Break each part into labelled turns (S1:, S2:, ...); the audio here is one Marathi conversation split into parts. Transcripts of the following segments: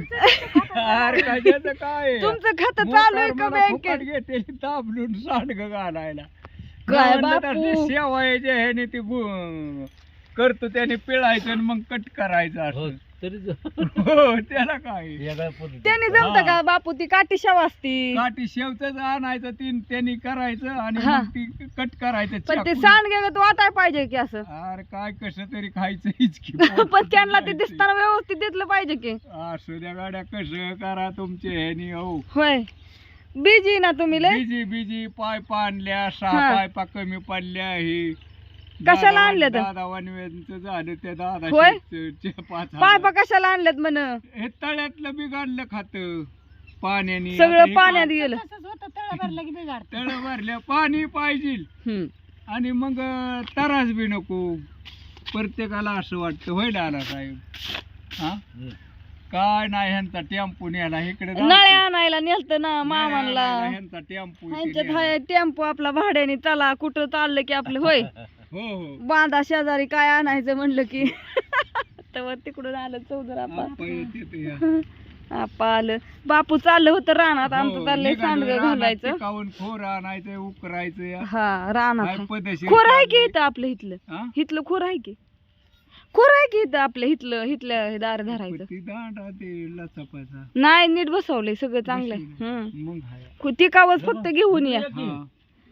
S1: अरे काय त्याचं काय
S2: तुमचं खातं चालू आहे का बँकेत?
S1: घेते दाबलून सांडग घालायला
S2: काय
S1: म्हणलं तर
S2: बापू?
S1: ते शेवायचे ह्याने ते करतो त्याने पिळायचं आणि मग कट करायचं असं हो त्याला काय
S2: त्याने जमतं का बापू? ती काठी शेव असती.
S1: काठी शेवच आणायचं त्यांनी करायचं आणि
S2: हा.
S1: मग ती कट करायचं
S2: पण ते
S1: चाकून.
S2: सांडगे वाटाय पाहिजे की असं.
S1: अरे काय कसं तरी खायचं हिचकी
S2: पण त्यांना ते दिसताना व्यवस्थित दिसलं पाहिजे की.
S1: असू द्या गाड्या कसं करा तुमचे ह्यानी हो
S2: होय बिजी ना तुम्ही लय.
S1: बिजी बिजी पायपा आणल्या
S2: हा.
S1: 6 पायपा कमी पडल्या ही
S2: कशाला आणल्या तर?
S1: दादा वनवेंचं झालं त्या दादा
S2: होय?
S1: 5
S2: पायपा कशाला आणल्यात म्हण?
S1: हे तळ्यातलं बिघडलं खात पाण्याने
S2: सगळं पाण्यात गेलं.
S1: तळ भरल्या पाणी पाहिजे
S2: हम्म.
S1: आणि मग तरास बी नको प्रत्येकाला असं वाटतं होईल आला साहेब हा काय नाही ह्यांचा टेम्पो न्यायला इकडे
S2: नळ्या आणायला नेलत ना मामांना.
S1: ह्यांचा टेम्पो
S2: ह्यांच्यात हाय टेम्पो आपला भाड्याने चला कुठं चाललं की आपलं होय
S1: हो हो
S2: बांधा शेजारी काय आणायचं म्हणलं की तेव्हा तिकडून आलं चौधरा
S1: आप्पा येते ते या.
S2: आपा आलं. बापू चाललं होतं रानात आमचं
S1: हो,
S2: चाललंय
S1: निघालो
S2: सांडगं
S1: रानात
S2: घालायचं.
S1: पिकावून खोर आणायचं उकरायचं या.
S2: हा रानात
S1: काय
S2: आहे.
S1: पद्धतशीर
S2: खोर आहे की
S1: चाललंय.
S2: इथं आपलं इथलं
S1: हा?
S2: इथलं खोर आहे की खोर आहे की इथं आपलं इथलं इथलं हे दार धरायचं.
S1: ती दांडा ते लचपाचा
S2: नाही नीट बसवलंय सगळं चांगलं आहे.
S1: बसवलंय.
S2: हम्म.
S1: मग हाय.
S2: ती कावच फक्त घेऊन या.
S1: हा.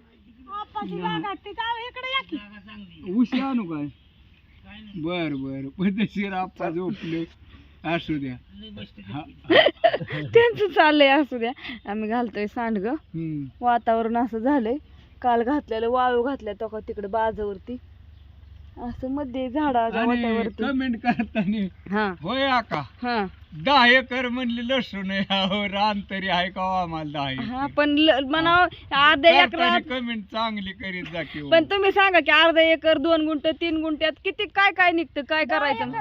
S1: उशी आणू काय बर बर पद्धतशीर आप्पा झोपले असू द्या हा.
S2: त्यांचं चाललंय असू द्या. आम्ही घालतोय सांडग.
S1: हम्म.
S2: वातावरण असं झालंय. काल घातलेलं वाळू घातल्या तो तिकडे बाजावरती असं मध्ये झाडाच्या
S1: आणि
S2: वाट्यावरती.
S1: कमेंट करताना
S2: हा
S1: होय आका
S2: हा
S1: 10 एकर म्हणली लसूण आहे अहो, रान तरी आहे का हो आम्हाला 10
S2: हा
S1: एकर
S2: पण म्हणा अर्ध्या एकरात.
S1: कमेंट चांगली करीत जा की हो.
S2: पण तुम्ही सांगा की अर्धा एकर 2 गुंठ 3 गुंठ्यात किती काय काय निघतं काय करायचं.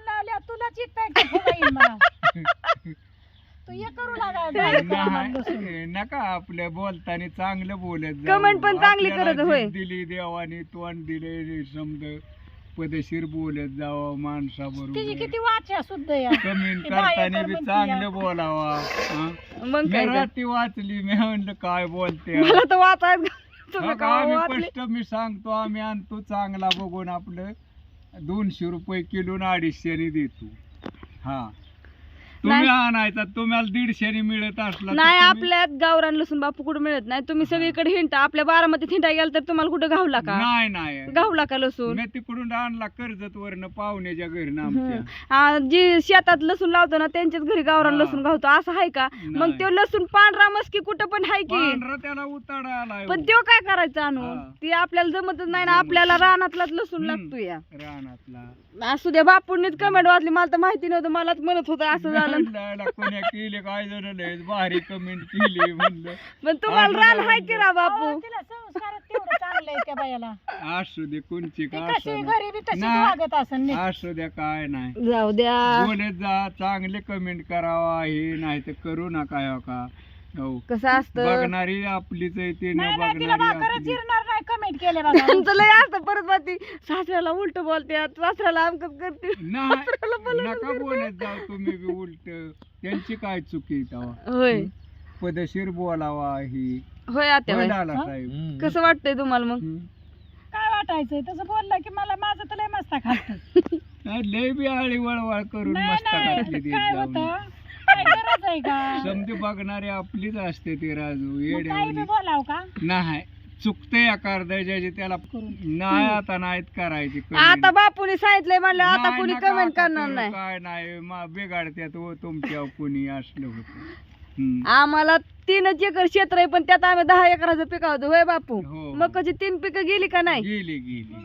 S1: नाही, नका आपल्या बोलताना चांगलं बोलत जाऊ.
S2: Comment पण चांगली
S1: आपल्याला
S2: करत होय.
S1: जीभ दिली देवाने तोंड दिले समज पदशीर बोलत जावं माणसाबरोबर.
S3: किती वाचा सुद्ध या
S1: कमेंट
S3: ते 10
S1: करताना
S3: एकर
S1: बी
S3: म्हणती
S1: चांगलं
S3: या.
S1: बोलावा हा.
S2: मग
S1: मी
S2: काय तर.
S1: रात्री वाचली मी म्हणलं काय बोलते
S2: मला तर वाचायचं तुम्ही
S1: बघा,
S2: का
S1: आम्ही
S2: वाचले.
S1: स्पष्ट मी सांगतो आम्ही आणतो चांगला बघून आपलं 200 रुपये किलो 250 देतो हा तुम्ही आणायचा तुम्हाला 150 मिळत असला तर
S2: नाही
S1: तुम्ही-
S2: आपल्यात गावरान लसूण बापू कुठं मिळत नाही. तुम्ही सगळीकडे हिंटा आपल्या बारामतीत हिंटा गेला तर तुम्हाला कुठं घावला का?
S1: नाही नाही
S2: घावला का लसूण?
S1: मी तिकडून आणला कर्जत वरनं पाहुण्याच्या घरनं आमच्या
S2: जी शेतात लसूण लावतो ना त्यांच्याच घरी गावरान
S1: हा.
S2: लसूण घावतो असं आहे का? मग
S1: नाही.
S2: तो लसूण पांढरा मस्की कुठं पण आहे की.
S1: पांढरा त्याला उताडा आलाय
S2: पण तो काय करायचं आणून?
S1: हा.
S2: ती आपल्याला जमतच नाही ना.
S1: जमत
S2: आपल्याला रानातलाच लसूण
S1: हम्म.
S2: लागतो या.
S1: रानातला
S2: असू द्या बापूंनीच कमेंट वाचली मला तर माहिती नव्हतं. मलाच म्हणत होतं असं झालं.
S1: म्हणलं, कोण्या केले काय जण लय भारी कमेंट केली म्हणलं
S2: पण तुम्हाला रान आहे की रा बापू?
S3: तिला संस्कार तेवढं चांगलं आहे त्या बायाला.
S1: असू दे कोणची
S3: ती
S1: का
S3: कशी
S1: असं
S3: घरी बी तशीच
S1: नाही.
S3: वागत असेल नीट.
S1: असू द्या काय नाही
S2: जाऊ द्या.
S1: बोलत जा चांगले कमेंट करावा हे नाही तर करू नका हो का हो
S2: कसं असतं
S1: बघणारी आपलीच आहे ते न
S3: नाही नाही तिला
S1: बघणारी
S3: भाकरच
S1: आपली.
S3: जिरणार नाही कमेंट केले बघा.
S2: त्यांचं लय असतं परत बाती सासऱ्याला उलट बोलते सासऱ्याला आमकच करते.
S1: नाही नका बोलत जाऊ तुम्ही बी उलट त्यांची काय चुकी तेव्हा
S2: होय
S1: पदशीर बोलावा ही
S2: होय आत्या होय.
S1: लाला साहेब
S2: कसं वाटतंय तुम्हाला मग?
S1: हम्म.
S3: काय वाटायचंय तसं बोललं की मला माझं तर लय मस्ता खात.
S1: नाही, लय बी आळी वळवळ करून
S3: नाही
S1: मस्त
S3: नाही
S1: घातली देत
S3: काय
S1: जाऊन.
S3: होतं काय गरज आहे का?
S1: समजे बघणारे आपलीच असते ते राजू
S3: मग काही बी
S1: येड्या
S3: बोलाव का?
S1: नाही चुकते आकार द्यायचे त्याला नाही आता नाहीत करायची
S2: आता बापूने सांगितलंय म्हणलं आता
S1: नाही,
S2: कोणी
S1: नका
S2: कमेंट
S1: आता
S2: करणार
S1: करू,
S2: नाही.
S1: काय नाही बिघाडत्यात हो तुमच्या कोणी असलं होतं हम्म.
S2: आम्हाला 3 एकर क्षेत्र आहे पण त्यात आम्ही 10 एकराचं पिकावतो होय बापू.
S1: हो.
S2: मग कशी 3 पिकं गेली का नाही?
S1: गेली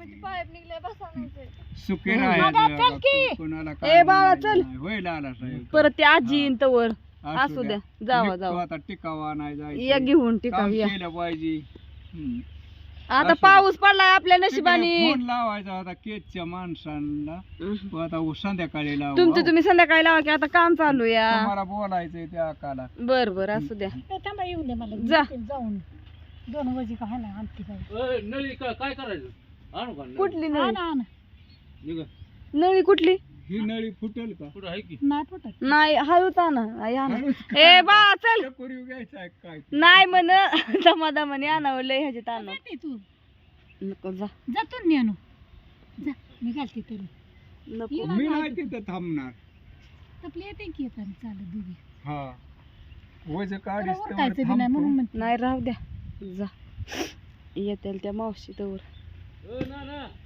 S1: सुखे
S2: हम्म.
S1: राहायचं
S3: चल की.
S1: कोणाला
S2: ए बाळा, चल.
S1: होय लाला साहेब
S2: परत ते आजी
S1: हा.
S2: येईन तवर
S1: असू
S2: असू द्या जावा
S1: निघतो
S2: जावा
S1: आता टिकावा नाही
S2: या
S1: जायचं
S2: घेऊन
S1: काम
S2: टिकाव या.
S1: केलं पाहिजे हम्म.
S2: आता
S1: असू दे.
S2: पाऊस पडलाय आपल्या नशिबाने.
S1: तिकडे फोन लावायचा होता केजच्या माणसांना तो आता संध्याकाळी लावा
S2: तुमचं तुम्ही संध्याकाळी लावा की आता काम चालू या.
S1: तुम्हाला बोलायचंय त्या आकाला
S2: बर बर असू द्या.
S3: ए, थांबा येऊ दे मला
S2: जा.
S3: जाऊन 2 वाजी का ना आणते बाई.
S4: काय करायचं आणू का
S2: कुठली
S3: आण,
S2: नळी?
S3: आण.
S2: नळी कुठली?
S1: ही नळी फुटेल का?
S3: नाही फुटत.
S2: नाही हळूच आणा आई आणा.
S1: हळूच
S2: ए बा चल
S1: चकोरी घ्यायचा आहे काय?
S2: नाही म्हण दमादमाने आणावं लय ह्याच्यात आणव
S3: जाते तू
S2: नको जा
S3: जातो मी आणू जा मी घालते तरी
S2: नको
S1: मी नाही तिथं थांबणार.
S3: आपली येते की येतात चालत दोघी
S1: हा वज काढीस
S3: तुला
S1: तेवढं
S3: उरकायचं बी नाही म्हणून
S1: थांबतो.
S3: म्हणते.
S2: नाही राहू द्या जा येतील त्या मावशी तवर